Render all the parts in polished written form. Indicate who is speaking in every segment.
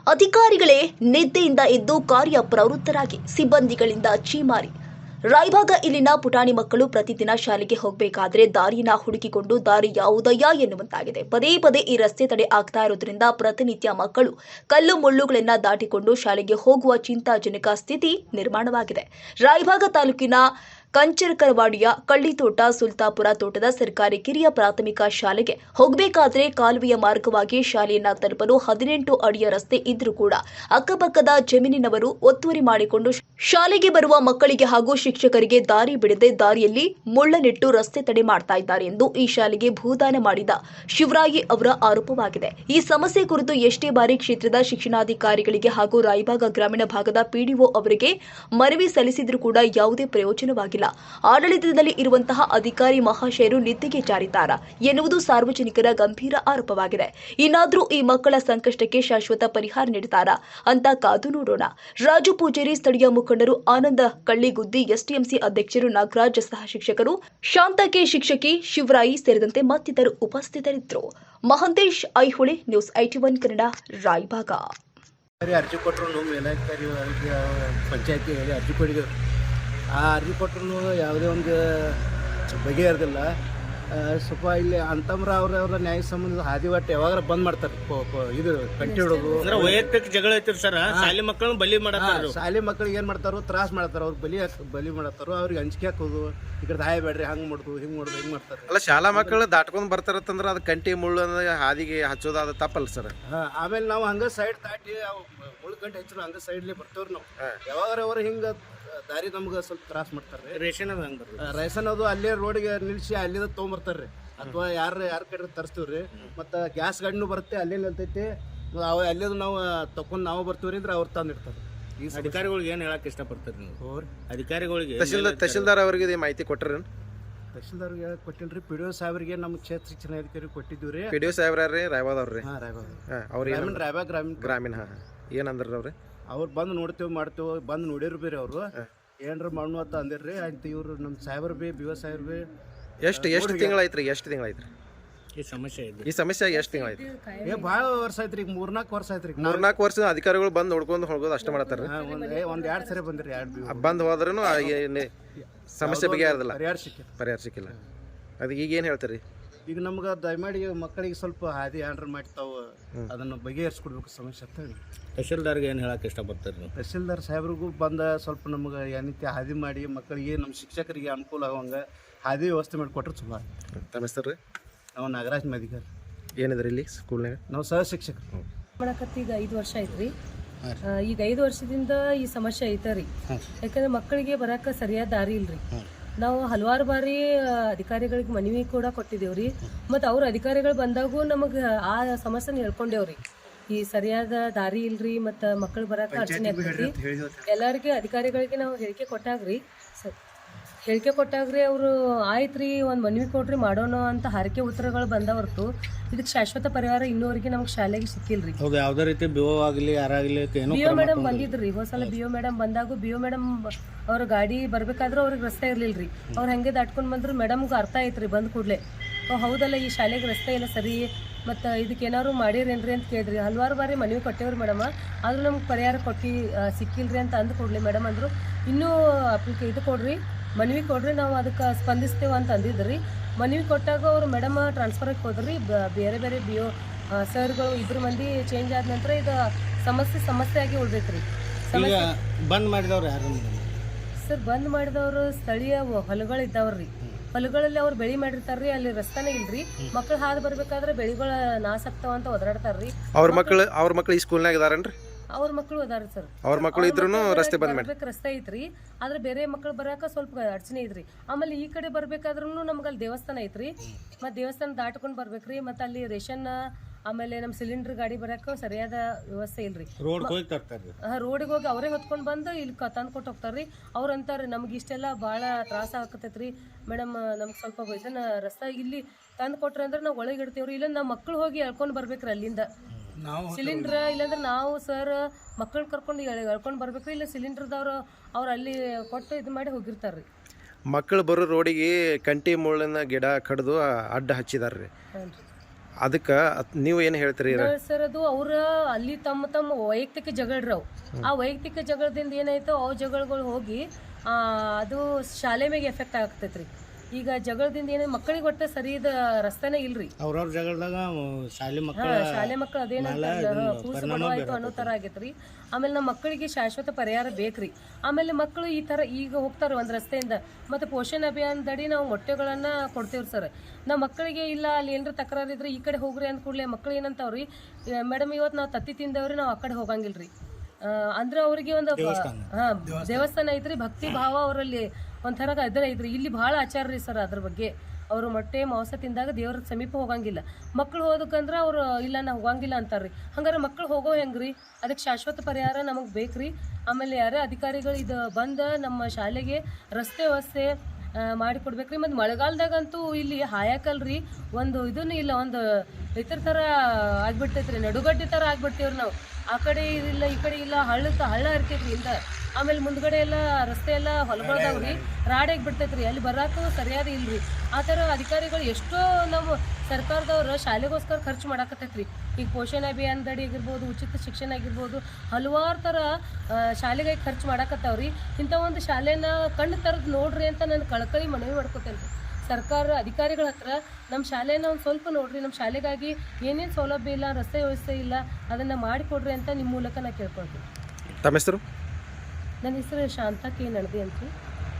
Speaker 1: ಅಧಿಕಾರಿಗಳೇ ನಿದ್ದೆಯಿಂದ ಎದ್ದು ಕಾರ್ಯ ಪ್ರವೃತ್ತರಾಗಿ ಸಿಬ್ಬಂದಿಗಳಿಂದ ಛೀಮಾರಿ. ರಾಯಭಾಗ ಇಲ್ಲಿನ ಪುಟಾಣಿ ಮಕ್ಕಳು ಪ್ರತಿದಿನ ಶಾಲೆಗೆ ಹೋಗಬೇಕಾದ್ರೆ ದಾರಿನ ಹುಡುಕಿಕೊಂಡು ದಾರಿ ಯಾವುದಯ್ಯ ಎನ್ನುವಂತಾಗಿದೆ. ಪದೇ ಪದೇ ಈ ರಸ್ತೆ ತಡೆ ಆಗ್ತಾ ಇರೋದ್ರಿಂದ ಪ್ರತಿನಿತ್ಯ ಮಕ್ಕಳು ಕಲ್ಲು ಮುಳ್ಳುಗಳನ್ನ ದಾಟಿಕೊಂಡು ಶಾಲೆಗೆ ಹೋಗುವ ಚಿಂತಾಜನಕ ಸ್ಥಿತಿ ನಿರ್ಮಾಣವಾಗಿದೆ. ರಾಯಭಾಗ ತಾಲೂಕಿನ ಕಂಚರಕರವಾಡಿಯ ಕಳ್ಳಿತೋಟ ಸುಲ್ತಾಪುರ ತೋಟದ ಸರ್ಕಾರಿ ಕಿರಿಯ ಪ್ರಾಥಮಿಕ ಶಾಲೆಗೆ ಹೋಗಬೇಕಾದ್ರೆ ಕಾಲುವೆಯ ಮಾರ್ಗವಾಗಿ ಶಾಲೆಯನ್ನ ತಲುಪಲು 18 ಅಡಿಯ ರಸ್ತೆ ಇದ್ರೂ ಕೂಡ ಅಕ್ಕಪಕ್ಕದ ಜಮೀನಿನವರು ಒತ್ತುವರಿ ಮಾಡಿಕೊಂಡು ಶಾಲೆಗೆ ಬರುವ ಮಕ್ಕಳಿಗೆ ಹಾಗೂ ಶಿಕ್ಷಕರಿಗೆ ದಾರಿ ಬಿಡದೆ ದಾರಿಯಲ್ಲಿ ಮುಳ್ಳನಿಟ್ಟು ರಸ್ತೆ ತಡೆ ಮಾಡ್ತಾ ಇದ್ದಾರೆ ಎಂದು ಈ ಶಾಲೆಗೆ ಭೂದಾನ ಮಾಡಿದ ಶಿವರಾಯಿ ಅವರ ಆರೋಪವಾಗಿದೆ. ಈ ಸಮಸ್ಯೆ ಕುರಿತು ಎಷ್ಟೇ ಬಾರಿ ಕ್ಷೇತ್ರದ ಶಿಕ್ಷಣಾಧಿಕಾರಿಗಳಿಗೆ ಹಾಗೂ ರಾಯಭಾಗ ಗ್ರಾಮೀಣ ಭಾಗದ ಪಿಡಿಒ ಅವರಿಗೆ ಮನವಿ ಸಲ್ಲಿಸಿದ್ರೂ ಕೂಡ ಯಾವುದೇ ಪ್ರಯೋಜನವಾಗಿಲ್ಲ. ಆಡಳಿತದಲ್ಲಿ ಇರುವಂತಹ ಅಧಿಕಾರಿ ಮಹಾಶಯರು ನಿದ್ದೆಗೆ ಜಾರಿದ್ದಾರಾ ಎನ್ನುವುದು ಸಾರ್ವಜನಿಕರ ಗಂಭೀರ ಆರೋಪವಾಗಿದೆ. ಇನ್ನಾದರೂ ಈ ಮಕ್ಕಳ ಸಂಕಷ್ಟಕ್ಕೆ ಶಾಶ್ವತ ಪರಿಹಾರ ನೀಡುತ್ತಾರಾ ಅಂತ ಕಾದು ನೋಡೋಣ. ರಾಜು ಪೂಜಾರಿ, ಸ್ಥಳೀಯ ಮುಖಂಡರು ಆನಂದ ಕಳ್ಳಿಗುದ್ದಿ, ಎಸ್ಟಿಎಂಸಿ ಅಧ್ಯಕ್ಷರು ನಾಗರಾಜ್, ಸಹ ಶಿಕ್ಷಕರು ಶಾಂತಕೆ, ಶಿಕ್ಷಕಿ ಶಿವರಾಯಿ ಸೇರಿದಂತೆ ಮತ್ತಿತರರು ಉಪಸ್ಥಿತರಿದ್ದರು. ಮಹಂತೇಶ್ ಐಹೊಳೆ, ನ್ಯೂಸ್ 81 ಕನ್ನಡ, ರಾಯಭಾಗ.
Speaker 2: ಅರ್ಜಿ ಕೊಟ್ಟರು ಪಂಚಾಯತಿ ಅರ್ಜಿ ಕೊಟ್ಟಿದ್ರು. ಆ ಅರ್ಜಿ ಕೊಟ್ಟರು ಯಾವುದೇ ಒಂದು ಬಗೆಹರಿದಿಲ್ಲ. ಸ್ವಲ್ಪ ಇಲ್ಲಿ ಅಂತಮ್ರ ಅವ್ರ ನ್ಯಾಯ ಸಂಬಂಧ ಹಾದಿ ಒಟ್ಟು ಯಾವಾಗ ಬಂದ್ ಮಾಡ್ತಾರೆ. ಇದು ಕಂಟಿ ಹಿಡೋದು
Speaker 3: ವೈಯಕ್ತಿಕ ಜಗಳ ಐತಿರಿ ಸರ್. ಶಾಲೆ ಮಕ್ಕಳನ್ನ ಬಲಿ ಮಾಡತ್ತಾರ.
Speaker 2: ಶಾಲೆ ಮಕ್ಕಳಿಗೆ ಏನ್ ಮಾಡ್ತಾರೋ ತ್ರಾಸ ಮಾಡ್ತಾರ. ಅವ್ರು ಬಲಿ ಮಾಡತ್ತಾರೋ, ಅವ್ರಿಗೆ ಅಂಜಿಕೆ ಹಾಕೋದು, ಈ ಕಡೆ ಹಾಯ್ ಬೇಡ್ರಿ, ಹಂಗ್ ಮಾಡುದು ಹಿಂಗ್ ಮಾಡುದು ಹಿಂಗ್ ಮಾಡ್ತಾರೆ.
Speaker 4: ಅಲ್ಲ, ಶಾಲಾ ಮಕ್ಕಳು ದಾಟ್ಕೊಂಡ್ ಬರ್ತಾರತ್ತಂದ್ರ ಅದು ಕಂಟಿ ಮುಳ್ಳು ಹಾದಿಗೆ ಹಚ್ಚೋದು ಅದು ತಪ್ಪಲ್ಲ ಸರ್.
Speaker 2: ಆಮೇಲೆ ನಾವು ಹಂಗ ಸೈಡ್ ದಾಟಿ ಮುಳ್ಳು ಗಂಟೆ ಹಚ್ಚರು ಹಂಗ ಸೈಡ್ಲಿ ಬರ್ತವ್ರಿ. ನಾವು ಯಾವಾಗ ಹಿಂಗ ದಾರಿ ನಮ್ಗೆ ಸ್ವಲ್ಪ ತ್ರಾಸ ಮಾಡ್ತಾರೆ. ರೇಷನ್ ಅದು ಅಲ್ಲೇ ರೋಡ್ಗೆ ನಿಲ್ಸಿ ಅಲ್ಲಿಂದ ತೊಗೊಂಬರ್ತಾರ್ರಿ. ಅಥವಾ ಯಾರ ಕಡೆ ತರಿಸ್ತೀವ್ರಿ. ಮತ್ತು ಗ್ಯಾಸ್ ಗಾಡಿನೂ ಬರುತ್ತೆ, ಅಲ್ಲೇ ನಿಲ್ತೈತಿ. ಅಲ್ಲಿಂದ ನಾವು ತಕೊಂಡ್ ನಾವು ಬರ್ತೀವ್ರಿ ಅಂದ್ರೆ ಅವ್ರು ತಂದಿರ್ತಾರೆ.
Speaker 3: ಈ ಅಧಿಕಾರಿಗಳಿಗೆ ಏನು ಹೇಳಕ್ ಇಷ್ಟಪಡ್ತಾರೆ ನೀವು? ಅಧಿಕಾರಿಗಳಿಗೆ
Speaker 4: ತಹಶೀಲ್ದಾರ್ ಅವರಿಗೆ ಮಾಹಿತಿ ಕೊಟ್ಟರೆ?
Speaker 2: ತಹಶೀಲ್ದಾರ್ಗೆ ಕೊಟ್ಟಿಲ್ರಿ. ಪಿಡಿಒ ಸಾಹೇಬ್ರಿಗೆ ನಮ್ಮ ಕ್ಷೇತ್ರ ಶಿಕ್ಷಣಾಧಿಕಾರಿ ಕೊಟ್ಟಿದ್ದೀವಿ.
Speaker 4: ಪಿಡಿಒ ಸಾಹೇಬ್ರಿ ರಾಯಬಾದವ್ರಿ?
Speaker 2: ರಾಯಬಾಗ್
Speaker 4: ಗ್ರಾಮೀಣ. ಏನಂದ್ರಿ ಅವ್ರಿ?
Speaker 2: ಅವ್ರು ಬಂದು ನೋಡ್ತೇವೆ ಮಾಡ್ತೇವೆ, ಬಂದು ನೋಡಿರು ಬೇರೆ ಅವರು ಏನ್ರ ಮಣ್ಣು ಅಂತ ಅಂದಿರ್ರಿ. ಆಯ್ತು, ಇವ್ರು ನಮ್ಮ ಸಾಹೇಬ್ರು ಬಿ BO ಸಾಹೇಬ್ರು ಬಿ
Speaker 4: ಎಷ್ಟು ತಿಂಗಳಾಯ್ತ್ರಿ? ಈ ಸಮಸ್ಯೆ ಎಷ್ಟು ತಿಂಗಳಾಯ್ತು?
Speaker 2: ಭಾಳ ವರ್ಷ ಆಯ್ತ್ರಿ. ಈಗ 3-4 ವರ್ಷ ಆಯ್ತ್ರಿ.
Speaker 4: 4 ವರ್ಷ ಅಧಿಕಾರಿಗಳು ಬಂದು ನೋಡ್ಕೊಂಡು ಹೋಗೋದು ಅಷ್ಟೇ ಮಾಡತ್ತಾರ.
Speaker 2: ಒಂದ್ 2 ಸರಿ ಬಂದ್ರಿ.
Speaker 4: ಬಂದ್ ಹೋದ್ರೂ ಸಮಸ್ಯೆ ಬಗೆಹರಿದಿಲ್ಲ, ಪರಿಹಾರ ಸಿಕ್ಕಿಲ್ಲ. ಅದಕ್ಕೆ ಈಗ ಏನು ಹೇಳ್ತೀರಿ?
Speaker 2: ಈಗ ನಮ್ಗೆ ದಯಮಾಡಿ ಮಕ್ಕಳಿಗೆ ಸ್ವಲ್ಪ ಹಾದಿ ಆರ್ಡರ್ ಮಾಡ್ತಾವ, ಅದನ್ನು ಬಗೆಹರಿಸ್ಕೊಡ್ಬೇಕು ಸಮಸ್ಯೆ ಅಂತ ಹೇಳಿ.
Speaker 3: ತಹಶೀಲ್ದಾರ್ಗೆ ಏನು ಹೇಳಕ್ಕೆ ಇಷ್ಟಪಡ್ತಾರೆ ನೀವು?
Speaker 2: ತಹಶೀಲ್ದಾರ್ ಸಾಹೇಬ್ರಿಗೂ ಬಂದ ಸ್ವಲ್ಪ ನಮ್ಗೆ ಏನೈತಿ ಹಾದಿ ಮಾಡಿ ಮಕ್ಕಳಿಗೆ, ನಮ್ಮ ಶಿಕ್ಷಕರಿಗೆ ಅನುಕೂಲ ಆಗುವಂಗೆ ಹಾದಿ ವ್ಯವಸ್ಥೆ ಮಾಡಿಕೊಟ್ರೆ ಚಲೋ.
Speaker 4: ತಮ್ಮ ಹೆಸರು?
Speaker 2: ನಾವು ನಾಗರಾಜ್ ಮದಿಗಾರ್.
Speaker 4: ಏನಿದ್ರಿ ಇಲ್ಲಿ ಸ್ಕೂಲ್ನಾಗ?
Speaker 2: ನಾವು ಸಹ ಶಿಕ್ಷಕರು.
Speaker 5: ಮಾಡಕತ್ತಿ ಈಗ 5 ವರ್ಷ ಐತ್ರಿ. ಈಗ 5 ವರ್ಷದಿಂದ ಈ ಸಮಸ್ಯೆ ಐತರಿ. ಯಾಕಂದ್ರೆ ಮಕ್ಕಳಿಗೆ ಬರಕ್ಕೆ ಸರಿಯಾದ ದಾರಿ ಇಲ್ರಿ. ನಾವು ಹಲವಾರು ಬಾರಿ ಅಧಿಕಾರಿಗಳಿಗೆ ಮನವಿ ಕೂಡ ಕೊಟ್ಟಿದ್ದೇವ್ರಿ. ಮತ್ತು ಅವ್ರ ಅಧಿಕಾರಿಗಳು ಬಂದಾಗೂ ನಮಗೆ ಆ ಸಮಸ್ಯೆನ ಹೇಳ್ಕೊಂಡೇವ್ರಿ. ಈ ಸರಿಯಾದ ದಾರಿ ಇಲ್ರಿ, ಮತ್ತು ಮಕ್ಕಳು ಬರಕ್ಕೆ ಅಡಚಣೆ ಆಗ್ತೈತಿ. ಎಲ್ಲರಿಗೆ ಅಧಿಕಾರಿಗಳಿಗೆ ನಾವು ಹೇಳಿಕೆ ಕೊಟ್ಟಾಗ್ರಿ ಅವರು ಆಯ್ತ್ರಿ ಒಂದು ಮನವಿ ಕೊಡ್ರಿ ಮಾಡೋಣ ಅಂತ ಹಾರಿಕೆ ಉತ್ತರಗಳು ಬಂದ ಹೊರತು ಇದಕ್ಕೆ ಶಾಶ್ವತ ಪರಿಹಾರ ಇನ್ನೂವರೆಗೆ ನಮ್ಗೆ ಶಾಲೆಗೆ ಸಿಕ್ಕಿಲ್ರಿ.
Speaker 3: ಯಾವುದೇ ರೀತಿ BO ಆಗಲಿ ಯಾರಾಗಲಿ
Speaker 5: BO ಮೇಡಮ್ ಬಂದಿದ್ರಿ. ಹೋದ್ಸಲ BO ಮೇಡಮ್ ಬಂದಾಗ BO ಮೇಡಮ್ ಅವ್ರ ಗಾಡಿ ಬರ್ಬೇಕಾದ್ರೂ ಅವ್ರಿಗೆ ರಸ್ತೆ ಇರ್ಲಿಲ್ರಿ. ಅವ್ರು ಹಂಗೆ ದಾಟ್ಕೊಂಡು ಬಂದ್ರು. ಮೇಡಮ್ಗೆ ಅರ್ಥ ಆಯ್ತ್ರಿ ಬಂದ್ ಕೂಡಲೇ, ಹೌದಲ್ಲ ಈ ಶಾಲೆಗೆ ರಸ್ತೆ ಇಲ್ಲ ಸರಿ, ಮತ್ತು ಇದಕ್ಕೆ ಏನಾದ್ರು ಮಾಡಿರೇನ್ರಿ ಅಂತ ಕೇಳಿದ್ರಿ. ಹಲವಾರು ಬಾರಿ ಮನವಿ ಕೊಟ್ಟೇವ್ರಿ ಮೇಡಮ್, ಆದ್ರೂ ನಮ್ಗೆ ಪರಿಹಾರ ಸಿಕ್ಕಿಲ್ರಿ ಅಂತ ಅಂದು ಕೊಡ್ಲಿ ಮೇಡಮ್ ಅಂದರು. ಇನ್ನೂ ಇದು ಕೊಡ್ರಿ, ಮನವಿ ಕೊಡ್ರಿ, ನಾವು ಅದಕ್ಕೆ ಸ್ಪಂದಿಸ್ತೇವೆ ಅಂತ ಅಂದಿದ್ರಿ. ಮನವಿ ಕೊಟ್ಟಾಗ ಅವರು ಮೇಡಮ್ ಟ್ರಾನ್ಸ್ಫರ್ಗೆ ಹೋದ್ರಿ. ಬೇರೆ ಬೇರೆ BO ಸರ್ಗಳು 2 ಮಂದಿ ಚೇಂಜ್ ಆದ ನಂತರ ಇದು ಸಮಸ್ಯೆ ಆಗಿ ಉಳ್ದೈತ್ರಿ.
Speaker 3: ಬಂದ್ ಮಾಡಿದವ್ರು ಯಾರು
Speaker 5: ಸರ್? ಬಂದ್ ಮಾಡಿದವರು ಸ್ಥಳೀಯ ಹೊಲಗಳಿದ್ದಾವ್ರಿ. ಹೊಲಗಳಲ್ಲಿ ಅವ್ರು ಬೆಳೆ ಮಾಡಿರ್ತಾರ್ರಿ. ಅಲ್ಲಿ ರಸ್ತಾನೇ ಇಲ್ರಿ. ಮಕ್ಳು ಹಾದು ಬರ್ಬೇಕಾದ್ರೆ ಬೆಳೆಗಳ ನಾಶ ಆಗ್ತಾವ ಅಂತ ಒದರಾಡ್ತಾರ್ರಿ.
Speaker 4: ಅವ್ರ ಮಕ್ಳು ಈ ಸ್ಕೂಲ್ನಾಗ ಇದಾರನ್ರಿ?
Speaker 5: ಅವ್ರ ಮಕ್ಕಳು ಅದಾರ ಸರ್.
Speaker 4: ಅವ್ರ ಮಕ್ಕಳು ಇದ್ರೂ ರಸ್ತೆ ಬಂದ್ ಮಾಡಿ
Speaker 5: ರಸ್ತೆ ಐತ್ರಿ. ಆದ್ರೆ ಬೇರೆ ಮಕ್ಕಳು ಬರಾಕ ಸ್ವಲ್ಪ ಅಡಚಣೆ ಐತ್ರಿ. ಆಮೇಲೆ ಈ ಕಡೆ ಬರ್ಬೇಕಾದ್ರೂ ನಮ್ಗೆ ಅಲ್ಲಿ ದೇವಸ್ಥಾನ ಐತ್ರಿ. ಮತ್ತೆ ದೇವಸ್ಥಾನ ದಾಟ್ಕೊಂಡ್ ಬರ್ಬೇಕ್ರಿ. ಮತ್ತೆ ಅಲ್ಲಿ ರೇಷನ್, ಆಮೇಲೆ ನಮ್ಮ ಸಿಲಿಂಡರ್ ಗಾಡಿ ಬರಕ್ಕೆ ಸರಿಯಾದ ವ್ಯವಸ್ಥೆ ಇಲ್ರಿ. ರೋಡಿಗೆ ಹೋಗಿ ಅವರೇ ಹೊತ್ಕೊಂಡು ಬಂದು ಇಲ್ಲಿ ತಂದು ಕೊಟ್ಟು ಹೋಗ್ತಾರ್ರಿ. ಅವ್ರು ಅಂತಾರೆ ನಮ್ಗೆ ಇಷ್ಟೆಲ್ಲ ಭಾಳ ತ್ರಾಸ ಆಕತೈತ್ರಿ ಮೇಡಮ್, ನಮ್ಗೆ ಸ್ವಲ್ಪ ಇದನ್ನ ರಸ್ತೆ ಇಲ್ಲಿ ತಂದು ಕೊಟ್ರಿ ಅಂದ್ರೆ ನಾವು ಒಳಗೆ ಇಡ್ತೀವ್ರಿ. ಇಲ್ಲ ನಮ್ಮ ಮಕ್ಕಳು ಹೋಗಿ ಎಳ್ಕೊಂಡು ಬರ್ಬೇಕ್ರಿ ಅಲ್ಲಿಂದ ಸಿಲಿಂಡ್ರ್. ಇಲ್ಲಾಂದ್ರೆ ನಾವು ಸರ್ ಮಕ್ಕಳು ಕರ್ಕೊಂಡು ಎಳ್ಕೊಂಡು ಬರ್ಬೇಕ್ರಿ. ಇಲ್ಲ ಸಿಲಿಂಡರ್ದವ್ರು ಅವ್ರು ಅಲ್ಲಿ ಕೊಟ್ಟು ಇದು ಮಾಡಿ ಹೋಗಿರ್ತಾರ್ರಿ.
Speaker 4: ಮಕ್ಕಳು ಬರೋ ರೋಡಿಗೆ ಕಂಟಿ ಮುಳ್ಳಿನ ಗಿಡ ಕಡ್ದು ಅಡ್ಡ ಹಚ್ಚಿದಾರ್ರಿ. ಅದಕ್ಕೆ ನೀವು ಏನು ಹೇಳ್ತೀರಿ
Speaker 5: ಸರ್ ಅದು ಅವ್ರ ಅಲ್ಲಿ ತಮ್ಮ ವೈಯಕ್ತಿಕ ಜಗಳರಿ ಅವು. ಆ ವೈಯಕ್ತಿಕ ಜಗಳದಿಂದ ಏನಾಯ್ತು ಅವು ಜಗಳಗಳು ಹೋಗಿ ಅದು ಶಾಲೆ ಮೇಲೆ ಎಫೆಕ್ಟ್ ಆಗ್ತೈತ್ರಿ. ಈಗ ಜಗಳದಿಂದ ಏನೇ ಮಕ್ಕಳಿಗೆ ಒಟ್ಟು ಸರಿಯಾದ ರಸ್ತೆನೇ ಇಲ್ರಿ.
Speaker 3: ಅವ್ರವ್ರ ಜಗಳದಾಗ ಶಾಲೆ
Speaker 5: ಮಕ್ಕಳು ಅದೇನಂತಾರಲ್ಲ ಕೂಸು ಬಡವಾಯ್ತು ಅನ್ನೋ ಥರ ಆಗೈತ್ರಿ. ಆಮೇಲೆ ನಮ್ಮ ಮಕ್ಕಳಿಗೆ ಶಾಶ್ವತ ಪರಿಹಾರ ಬೇಕ್ರಿ. ಆಮೇಲೆ ಮಕ್ಕಳು ಈ ಥರ ಈಗ ಹೋಗ್ತಾರೆ ಒಂದು ರಸ್ತೆಯಿಂದ, ಮತ್ತು ಪೋಷಣ ಅಭಿಯಾನದಡಿ ನಾವು ಮೊಟ್ಟೆಗಳನ್ನು ಕೊಡ್ತೇವ್ರಿ ಸರ್. ನಮ್ಮ ಮಕ್ಕಳಿಗೆ ಇಲ್ಲ ಅಲ್ಲಿ ಏನಾರ ತಕರಾರು ಇದ್ರೆ ಈ ಕಡೆ ಹೋಗ್ರಿ ಅಂದ ಕೂಡಲೇ ಮಕ್ಕಳು ಏನಂತಾವ್ರಿ, ಮೇಡಮ್ ಇವತ್ತು ನಾವು ತತ್ತಿ ತಿಂದವ್ರಿ, ನಾವು ಆ ಕಡೆ ಹೋಗಂಗಿಲ್ರಿ. ಅಂದ್ರೆ ಅವ್ರಿಗೆ ಒಂದು ದೇವಸ್ಥಾನ ಐತ್ರಿ, ಭಕ್ತಿ ಭಾವ ಅವರಲ್ಲಿ ಒಂಥರ ಇದ್ರ ಐತ್ರಿ. ಇಲ್ಲಿ ಭಾಳ ಆಚಾರ ರೀ ಸರ್ ಅದ್ರ ಬಗ್ಗೆ. ಅವರು ಮೊಟ್ಟೆ ಮಾಂಸ ತಿಂದಾಗ ದೇವ್ರ ಸಮೀಪ ಹೋಗಂಗಿಲ್ಲ. ಮಕ್ಳು ಹೋದಕ್ಕಂದ್ರೆ ಅವ್ರು ಇಲ್ಲ ನಾ ಹೋಗಂಗಿಲ್ಲ ಅಂತಾರ್ರಿ. ಹಂಗಾರೆ ಮಕ್ಳು ಹೋಗೋ ಹೆಂಗ್ರಿ? ಅದಕ್ಕೆ ಶಾಶ್ವತ ಪರಿಹಾರ ನಮಗೆ ಬೇಕ್ರಿ. ಆಮೇಲೆ ಯಾರೇ ಅಧಿಕಾರಿಗಳು ಇದು ಬಂದ ನಮ್ಮ ಶಾಲೆಗೆ ರಸ್ತೆ ವ್ಯವಸ್ಥೆ ಮಾಡಿಕೊಡ್ಬೇಕ್ರಿ. ಮತ್ತು ಮಳೆಗಾಲದಾಗಂತೂ ಇಲ್ಲಿ ಹಾಯಾಕಲ್ರಿ ಒಂದು ಇದನ್ನು ಇಲ್ಲ, ಒಂದು ಇತರ ಥರ ಆಗ್ಬಿಡ್ತೈತ್ರಿ, ನಡುಗಡ್ಡೆ ಥರ ಆಗ್ಬಿಡ್ತೀವ್ರಿ ನಾವು. ಆ ಕಡೆ ಇಲ್ಲ ಈ ಕಡೆ ಇಲ್ಲ, ಹಳ್ಳ ಇರ್ತೈತ್ರಿ ಇಂದ. ಆಮೇಲೆ ಮುಂದ್ಗಡೆ ಎಲ್ಲ ರಸ್ತೆ ಎಲ್ಲ ಹೊಲಗಳದಾವ್ರಿ, ರಾಡಾಗಿ ಬಿಡ್ತೈತ್ರಿ, ಅಲ್ಲಿ ಬರಾಕು ಸರಿಯಾದ ಇಲ್ರಿ. ಆ ಥರ ಅಧಿಕಾರಿಗಳು ಎಷ್ಟೋ ನಮ್ಮ ಸರ್ಕಾರದವ್ರು ಶಾಲೆಗೋಸ್ಕರ ಖರ್ಚು ಮಾಡಾಕತ್ತೈತ್ರಿ. ಈಗ ಪೋಷಣ ಅಭಿಯಾನದಡಿ ಆಗಿರ್ಬೋದು, ಉಚಿತ ಶಿಕ್ಷಣ ಆಗಿರ್ಬೋದು, ಹಲವಾರು ಥರ ಶಾಲೆಗಾಗಿ ಖರ್ಚು ಮಾಡಾಕತ್ತಾವ್ರಿ. ಇಂಥ ಒಂದು ಶಾಲೆನ ಕಣ್ಣು ತರದ್ ನೋಡ್ರಿ ಅಂತ ನಾನು ಕಳಕಳಿ ಮನವಿ ಮಾಡ್ಕೊತೇನೆ ರೀ ಸರ್ಕಾರ ಅಧಿಕಾರಿಗಳ ಹತ್ರ. ನಮ್ಮ ಶಾಲೆನ ಒಂದು ಸ್ವಲ್ಪ ನೋಡ್ರಿ, ನಮ್ಮ ಶಾಲೆಗಾಗಿ ಏನೇನು ಸೌಲಭ್ಯ ಇಲ್ಲ, ರಸ್ತೆ ವ್ಯವಸ್ಥೆ ಇಲ್ಲ, ಅದನ್ನು ಮಾಡಿಕೊಡ್ರಿ ಅಂತ ನಿಮ್ಮ ಮೂಲಕ ನಾ ಕೇಳ್ಕೊಳ್ತೀನಿ.
Speaker 4: ತಮ್ಮ ಹೆಸರು?
Speaker 5: ನನ್ನ ಹೆಸರು ಶಾಂತ ಕೆ ನಡದಿ ಅಂತ್ರಿ.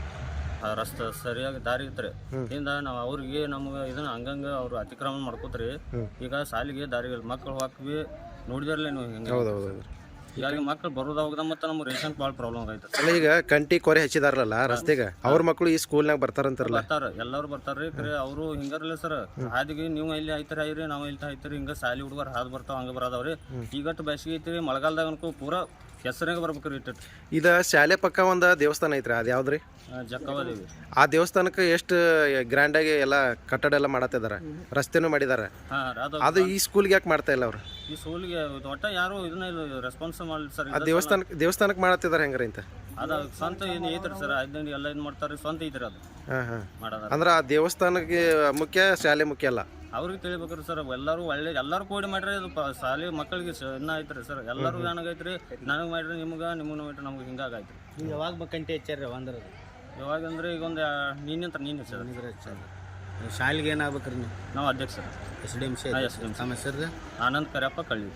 Speaker 6: ರಸ್ತೆ ಸರಿಯಾಗಿ ದಾರಿ ಇತ್ರಿ ಇಂದ ನಾವು ಅವ್ರಿಗೆ ನಮ್ಗೆ ಇದನ್ನ ಹಂಗಂಗ ಅವ್ರು ಅತಿಕ್ರಮಣ ಮಾಡ್ಕೋತ್ರಿ. ಈಗ ಶಾಲೆಗೆ ದಾರಿ ಮಕ್ಕಳು ಹಾಕ್ವಿ ನೋಡಿದಾರಲ್ಲ ನೀವು ಹಿಂಗೆ. ಹೀಗಾಗಿ ಮಕ್ಕಳು ಬರೋದ ಹೋಗದ ಮತ್ತು ನಮ್ಗೆ ರೇಷನ್ ಭಾಳ ಪ್ರಾಬ್ಲಮ್ ಆಗೈತೆ.
Speaker 4: ಅಲ್ಲ ಈಗ ಕಂಟಿ ಕೊರೆ ಹಚ್ಚಿದಾರಲ್ಲ ರಸ್ತೆಗೆ, ಅವ್ರ ಮಕ್ಕಳು ಈ ಸ್ಕೂಲ್ನಾಗ ಬರ್ತಾರಂತಾರಲ್ಲ?
Speaker 6: ಬರ್ತಾರ, ಎಲ್ಲರೂ ಬರ್ತಾರ್ರಿ. ಕರೆ ಅವರು ಹಿಂಗಾರಲ್ಲ ಸರ್, ಹಾದಿಗೆ ನೀವು ಇಲ್ಲಿ ಐತರಿ ಐರಿ, ನಾವು ಇಲ್ಲಿ ಐತರಿ, ಹಿಂಗ ಶಾಲೆ ಹುಡುಗರು ಹಾದು ಬರ್ತಾವ, ಹಂಗೆ ಬರೋದವ್ರಿ. ಈಗಟ್ಟು ಬೇಸಿಗೆ ಐತ್ರಿ, ಮಳೆಗಾಲದಾಗ ಅನ್ಕೋ ಪೂರಾ ಕೆಸರಾಗ ಬರ್ಬೇಕ್ರಿ.
Speaker 4: ಇದು ಶಾಲೆ ಪಕ್ಕ ಒಂದು ದೇವಸ್ಥಾನ ಐತ್ರಿ, ಅದು ಯಾವ್ದ್ರಿ?
Speaker 6: ಜಕ್ಕವದೇವಿ.
Speaker 4: ಆ ದೇವಸ್ಥಾನಕ್ಕೆ ಎಷ್ಟು ಗ್ರ್ಯಾಂಡಾಗಿ ಎಲ್ಲ ಕಟ್ಟಡ ಎಲ್ಲ ಮಾಡತ್ತಿದಾರ, ರಸ್ತೆನೂ ಮಾಡಿದಾರ. ಅದು ಈ ಸ್ಕೂಲ್ಗೆ ಯಾಕೆ ಮಾಡ್ತಾ ಇಲ್ಲ ಅವ್ರು?
Speaker 6: ಈ ಸ್ಕೂಲ್ಗೆ ಒಟ್ಟ ಯಾರು ಇದನ್ನ ರೆಸ್ಪಾನ್ಸ್ ಮಾಡಲಿ ಸರ್.
Speaker 4: ಆ ದೇವಸ್ಥಾನಕ್ಕೆ ಮಾಡತ್ತಿದಾರ ಹೆಂಗ್ರಿ ಅಂತ?
Speaker 6: ಅದ ಸ್ವಂತ ಏನು ಐತ್ರಿ ಸರ್, ಐದಂಡಿ ಎಲ್ಲ ಇದು ಮಾಡ್ತಾರೆ, ಸ್ವಂತ ಐತ್ರಿ ಅದು ಮಾಡೋದ.
Speaker 4: ಅಂದ್ರೆ ಆ ದೇವಸ್ಥಾನಕ್ಕೆ ಮುಖ್ಯ, ಶಾಲೆ ಮುಖ್ಯ ಅಲ್ಲ?
Speaker 6: ಅವ್ರಿಗೆ ತಿಳಿಬೇಕ್ರಿ ಸರ್. ಎಲ್ಲರೂ ಒಳ್ಳೆ ಎಲ್ಲರೂ ಕೂಡಿ ಮಾಡ್ರಿ, ಅದು ಶಾಲೆ ಮಕ್ಕಳಿಗೆ ಇನ್ನ ಐತ್ರಿ ಸರ್. ಎಲ್ಲರೂ ಏನಾಗೈತ್ರಿ, ನನಗೆ ಮಾಡ್ರಿ, ನಿಮ್ಗೆ ಮಾಡ್ರಿ, ನಮ್ಗೆ ಹಿಂಗಾಗೈತ್ರಿ.
Speaker 3: ಈಗ ಯಾವಾಗ ಬೇಕಂತ ಹೆಚ್ಚಾರ ಒಂದ್ರದ್ದು?
Speaker 6: ಯಾವಾಗ ಅಂದ್ರೆ ಈಗ ಒಂದು ನೀನೆ ಸರ್.
Speaker 3: ಶಾಲೆಗೆ ಏನಾಗ್ಬೇಕ್ರಿ ನೀವು?
Speaker 6: ನಾವು ಅಧ್ಯಕ್ಷರು
Speaker 3: SDMC. ನಮ್ಮ ಹೆಸರು
Speaker 6: ಆನಂದ್ ಕರಿಯಪ್ಪ ಕಳ್ಳಿ.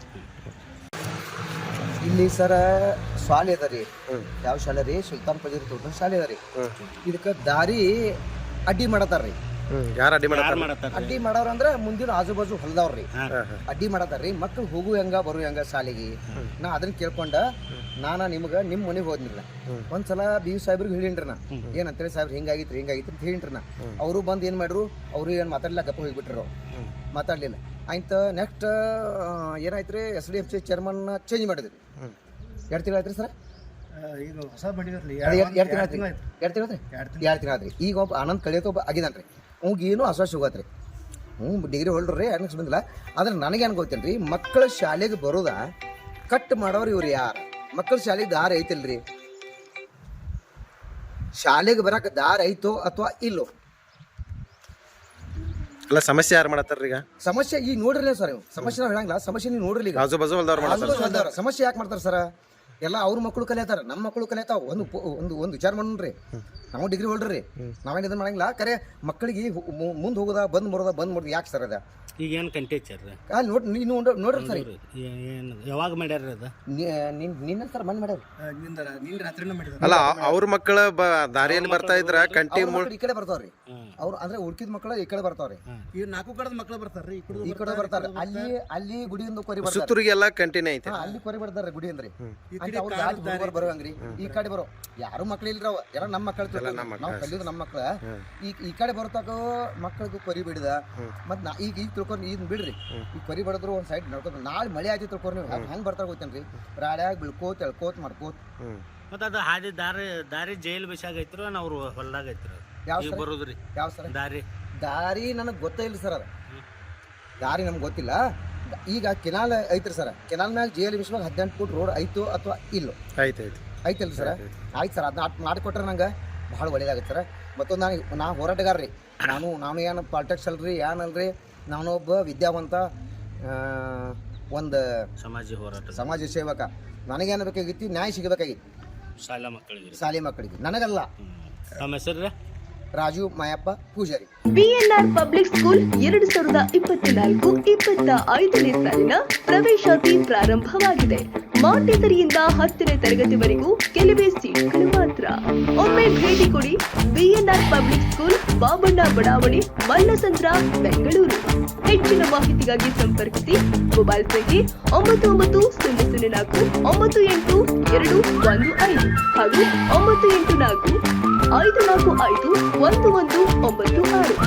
Speaker 7: ಇಲ್ಲಿ ಸರ ಶಾಲೆ ಅದ ರೀ. ಯಾವ ಶಾಲೆ ರೀ? ಸುಲ್ತಾನ್ ಪಜೀರ್ ತೋಟ ಶಾಲೆ ಅದ ರೀ. ಇದಕ್ಕೆ ದಾರಿ ಅಡ್ಡಿ ಮಾಡತಾರ್ರಿ.
Speaker 4: ಯಾರು ಅಡ್ಡಿ ಮಾಡತ್ತಾರ?
Speaker 7: ಅಡ್ಡಿ ಮಾಡೋರು ಅಂದ್ರೆ ಮುಂದಿನ ಆಜು ಬಾಜು ಹೊಲದವ್ರಿ ಅಡ್ಡಿ ಮಾಡತಾರ್ರಿ. ಮಕ್ಳು ಹೋಗು ಹೆಂಗ ಬರು ಹೆಂಗ ಶಾಲೆಗೆ. ನಾ ಅದನ್ನ ಕೇಳ್ಕೊಂಡ ನಿಮ್ಗೆ ನಿಮ್ಮ ಮನೆಗೆ ಹೋದ್ನಿಲ್ಲ. ಒಂದ್ಸಲ BU ಸಾಹೇಬ್ರಿಗೆ ಹೇಳಿನ್ರಿ ನಾ, ಏನಂತೇಳಿ ಸಾಹೇಬ್ರು ಹಿಂಗಾಗಿತ್ರಿ ಅಂತ ಹೇಳಿನ್ರಿ ನಾ. ಅವರು ಬಂದು ಏನು ಮಾಡ್ರು, ಅವ್ರು ಏನು ಮಾತಾಡ್ಲಿಲ್ಲ, ಗಪ್ಪ ಹೋಗಿಬಿಟ್ರು, ಮಾತಾಡ್ಲಿಲ್ಲ. ಆಯ್ತು ನೆಕ್ಸ್ಟ್ ಏನಾಯ್ತು ರೀ, SDMC ಚೇರ್ಮನ್ ಚೇಂಜ್ ಮಾಡಿದ್ರಿ. 2 ತಿಂಗಳು ಆಯ್ತು ರೀ ಸರ್.
Speaker 2: ಈಗ ಹೊಸ ಮಾಡಿದ್ರಲ್ಲ,
Speaker 7: 2 ತಿಂಗಳು ಆಯ್ತು ರೀ. ಈಗ ಒಬ್ಬ ಆನಂದ್ ಕಳಿಯೋಕೆ ಒಬ್ಬ ಆಗಿದಾನ್ರಿ. ಅವ್ಗೆ ಏನೂ ಆಶ್ವಾಸ ಹೋಗತ್ರಿ. ಡಿಗ್ರಿ ಹೋಲ್ಡ್ರಿ ರೀ, ಅನ್ಸ್ ಬಂದಿಲ್ಲ. ಆದ್ರೆ ನನಗೇನು ಗೊತ್ತೇನು ರೀ, ಮಕ್ಕಳ ಶಾಲೆಗೆ ಬರೋದ ಕಟ್ ಮಾಡೋರು ಇವ್ರು ಯಾರು? ಮಕ್ಕಳ ಶಾಲೆಗೆ ದಾರಿ ಐತಿಲ್ರಿ? ಶಾಲೆಗೆ ಬರಕ್ಕೆ ದಾರಿ ಐತೋ ಅಥವಾ ಇಲ್ಲೋ?
Speaker 4: ಅಲ್ಲ ಸಮಸ್ಯೆ ಯಾರು ಮಾಡತ್ತಾರ ಈಗ?
Speaker 7: ಸಮಸ್ಯೆ ಈಗ ನೋಡ್ರಿಲ್ಲ ಸರ್, ಸಮಸ್ಯೆ ನಾವು ಹೇಳಂಗಿಲ್ಲ, ಸಮಸ್ಯೆ ನೀವು ನೋಡ್ರಿ. ಈಗ
Speaker 4: ಆಜು ಬಾಜು ಹೊಲ್ದವ್ರು
Speaker 7: ಸಮಸ್ಯೆ ಯಾಕೆ ಮಾಡ್ತಾರೆ ಸರ್? ಎಲ್ಲ ಅವ್ರ ಮಕ್ಕಳು ಕಲಿಯತಾರ, ನಮ್ಮ ಮಕ್ಕಳು ಕಲಿಯತಾವ. ಒಂದು ವಿಚಾರ ಮಾಡೋಣ್ರಿ, ನಾವು ಡಿಗ್ರಿ ಹೋಲ್ಡ್ರಿ, ನಾವೇನು ಇದನ್ನ ಮಾಡಂಗಿಲ್ಲ. ಕರೆ ಮಕ್ಕಳಿಗೆ ಮುಂದೆ ಹೋಗೋದ ಬಂದ್ ಮಾಡೋದು ಯಾಕೆ ಸರ್? ಅದ
Speaker 3: ಈಗ ಏನು ಕಂಟಿ ಹೆಚ್ಚಾರ?
Speaker 7: ಅಲ್ಲಿ ನೀವು ನೋಡ್ರಿ ಸರ್.
Speaker 3: ಏನು ಯಾವಾಗ ಮಾಡ್ಯಾರ ಅದು?
Speaker 7: ನಿನ್ನ ಸರ್ ಮನೆ ಮಾಡ್ಯಾರ.
Speaker 2: ರಾತ್ರಿನೂ ಮಾಡಿದ್ರು.
Speaker 4: ಅಲ್ಲ ಅವ್ರ ಮಕ್ಕಳ ದಾರಿಯಲ್ಲಿ ಬರ್ತಾ ಇದ್ರ ಕಂಟಿ
Speaker 7: ಈ ಕಡೆ ಬರ್ತಾವ್ರಿ. ಅವ್ರು ಅಂದ್ರೆ ಉಳ್ಕಿದ ಮಕ್ಕಳು ಈ ಕಡೆ ಬರ್ತಾವ್ರಿ.
Speaker 2: ಈ 4 ಕಡೆದ ಮಕ್ಕಳು ಬರ್ತಾರ್ರಿ,
Speaker 7: ಈ ಕಡೆ ಬರ್ತಾರೆ. ಅಲ್ಲಿ ಗುಡಿಯಿಂದ ಕೊರಿ ಬರ್ತಾರೆ,
Speaker 4: ಸುತ್ತೂರಿಗೆಲ್ಲ ಕಂಟಿನ್ಯೂ ಐತೆ.
Speaker 7: ಅಲ್ಲಿ ಕೊರಿ ಬರ್ತಾರೆ ಗುಡಿ ಅಂದ್ರಿ. ಬರುವಂಗ್ರಿ ಈ ಕಡೆ ಬರೋ ಯಾರು ಮಕ್ಳು ಇಲ್ರವ, ಯಾರ ನಮ್ಮ ಮಕ್ಕಳು, ನಾವು ಕಲಿಯೋದು ನಮ್ಮ ಮಕ್ಳ. ಈ ಕಡೆ ಬರತಾಕ ಮಕ್ಕಳಿಗೆ ಕೊರಿ ಬಿಡಿದ. ಮತ್ ಈಗ ತಿಳ್ಕೊಂಡು ಇದನ್ನ ಬಿಡ್ರಿ, ಈ ಕೊರಿ ಬಡದ್ರು ಒಂದ್ ಸೈಡ್ ನಡ್ಕೊಂಡು ನಾಳೆ ಮಳೆ ಆಯ್ತು ತಿಳ್ಕೊಂಡು ನೀವು ಹೆಂಗ್ ಬರ್ತಾರ ಗೊತ್ತೇನ್ರಿ? ರಾಡ್ಯಾಗ ಬೀಳ್ಕೋತ್ ಎಳ್ಕೋತ್ ಮಾಡ್ಕೋತ್.
Speaker 3: ಮತ್ತೆ ಅದು ಹಾದಿ ದಾರಿ ಜೈಲ್ ಬಸಾಗ ಐತ್ರು, ಅವ್ರು ಹೊಲ್ದಾಗ ಐತ್ರು.
Speaker 7: ಯಾವ
Speaker 3: ಬರೋದ್ರಿ?
Speaker 7: ಯಾವ ಸರ್ ದಾರಿ ನನಗೆ ಗೊತ್ತೇ ಇಲ್ಲ ಸರ್. ಅದು ದಾರಿ ನಮ್ಗೆ ಗೊತ್ತಿಲ್ಲ. ಈಗ ಕೆನಾಲ್ ಐತ್ರಿ ಸರ್, ಕೆನಾಲ್ ಮ್ಯಾಗ JLMC 18 ಫೂಟ್ ರೋಡ್ ಐತೋ ಅಥವಾ ಇಲ್ಲೋ? ಐತಲ್ರಿ ಸರ್. ಆಯ್ತು ಸರ್, ಅದನ್ನ ಮಾಡಿಕೊಟ್ರೆ ನಂಗೆ ಭಾಳ ಒಳ್ಳೇದಾಗತ್ತೆ ಸರ್. ಮತ್ತೊಂದು ನಾ ಹೋರಾಟಗಾರ ರೀ. ನಾನು ಏನು ಪಾಲಿಟಿಕ್ಸ್ ಅಲ್ರಿ ಏನಲ್ರಿ, ನಾನೊಬ್ಬ ವಿದ್ಯಾವಂತ ಒಂದು ಸಮಾಜ ಸೇವಕ. ನನಗೇನು ಬೇಕಾಗಿತ್ತು? ನ್ಯಾಯ ಸಿಗಬೇಕಾಗಿತ್ತು ಶಾಲೆ ಮಕ್ಕಳಿಗೆ, ನನಗಲ್ಲ.
Speaker 3: ನಮ್ಮ ಹೆಸರು
Speaker 7: Raju Mayappa Pujari.
Speaker 1: BNR public school 2024-25ನೇ ಸಾಲಿನ ಪ್ರವೇಶಾತಿ ಪ್ರಾರಂಭವಾಗಿದೆ. ಮಾಂಟೆಸರಿಯಿಂದ 10ನೇ ತರಗತಿವರೆಗೂ ಕೆಲವೇ ಸೀಟ್ಗಳು ಮಾತ್ರ. ಒಮ್ಮೆ ಭೇಟಿ ಕೊಡಿ. ಬಿಎನ್ಆರ್ ಪಬ್ಲಿಕ್ ಸ್ಕೂಲ್, ಬಾಬಣ್ಣ ಬಡಾವಣೆ, ಮಲ್ಲಸಂದ್ರ, ಬೆಂಗಳೂರು. ಹೆಚ್ಚಿನ ಮಾಹಿತಿಗಾಗಿ ಸಂಪರ್ಕಿಸಿ. ಮೊಬೈಲ್ ಸಂಖ್ಯೆ 9900498215 ಹಾಗೂ 984-545-1196.